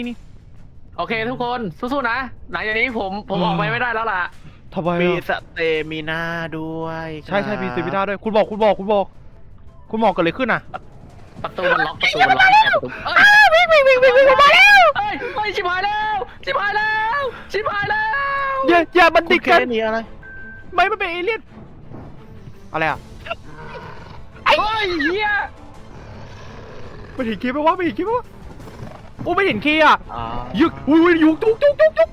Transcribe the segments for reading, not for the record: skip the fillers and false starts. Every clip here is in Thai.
นี่โอเคทุกคนสู้ๆนะหลังจากนี้ผมออกไปไม่ได้แล้วล่ะทำไมมีอะสเตมิน่าด้วยใช่มีสวิตาด้วยคุณบอกเกิดอะไรขึ้นอ่ะประตูมันล็อกประตูมันล็อกประตูวิ่งมาแล้วเฮ้ยชิบหายแล้วอย่ามันคุติณดเคกันนี่อะไรไม่มันเป็นเอเลี่ยนอะไรอ่ะเฮ้ยเฮียไม่เห็นคีย์ไหมวะโอ้ไม่เห็นคีย์อ่ะอ๋อยึกอุ้ยยุกจุก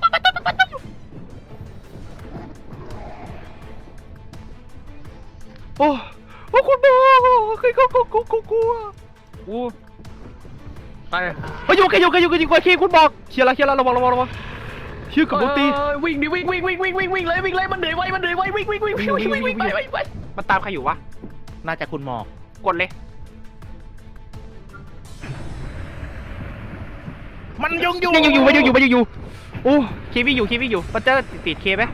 โอ้คุณบอกคือกูโอ้ไปอยู่กันคีย์คุณบอกเคลียร์ละระวังชื่อกับโบตีวิ่งดิวิ่งเลยมันเหนื่อยไววิ่งไปมันตามใครอยู่วะน่าจะคุณหมอกกดเลยมันยังอยู่ยังอยู่โอ้เควิ่งอยู่มันจะติดเคไหม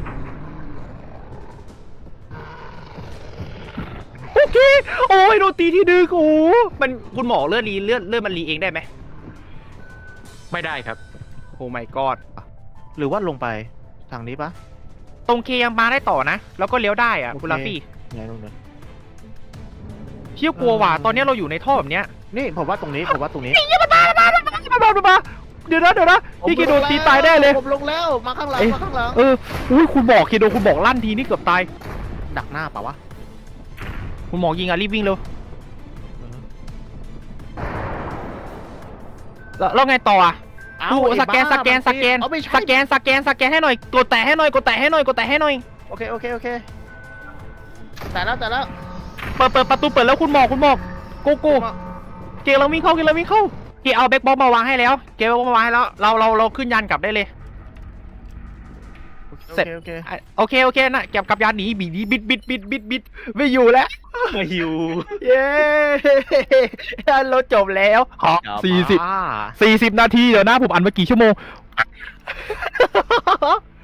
โอเคโอ้ยโดนตีที่ดึกโอ้มันคุณหมอเลือดมันรีเองได้ไหมไม่ได้ครับโอ้ my god หรือว่าลงไปทางนี้ปะตรงเคยังมาได้ต่อนะแล้วก็เลี้ยวได้อะโอเคคุณลาฟี่ไงลงเลยเชี่ยกลัวว่ะตอนนี้เราอยู่ในท่อแบบเนี้ยนี่ผมว่าตรงนี้มาเดี๋ยวนะพี่เคโดนตีตายได้เลยผมลงแล้วมาข้างหลังมาข้างหลังอุ้ยคุณบอกเคโดนคุณบอกลั่นทีนี่เกือบตายดักหน้าเปล่าวะคุณหมอยิงอ่ะรีบวิ่งเร็วแล้วไงต่ออ่ะ ดูสแกนเอาไม่ใช่สแกนให้หน่อยกดแตะให้หน่อยโอเคแต่แล้วเปิดประตูเปิดแล้วคุณหมอกโกเกเราวิ่งเข้าเกเอาแบ็คบ็อกมาวางให้แล้วเราขึ้นยานกลับได้เลย เสร็จ โอเคนะเก็บกับยานหนีบิดไม่อยู่แล้วมาหิวเย้เราจบแล้ว40นาทีเดี๋ยวนะผมอันมากี่ชั่วโมง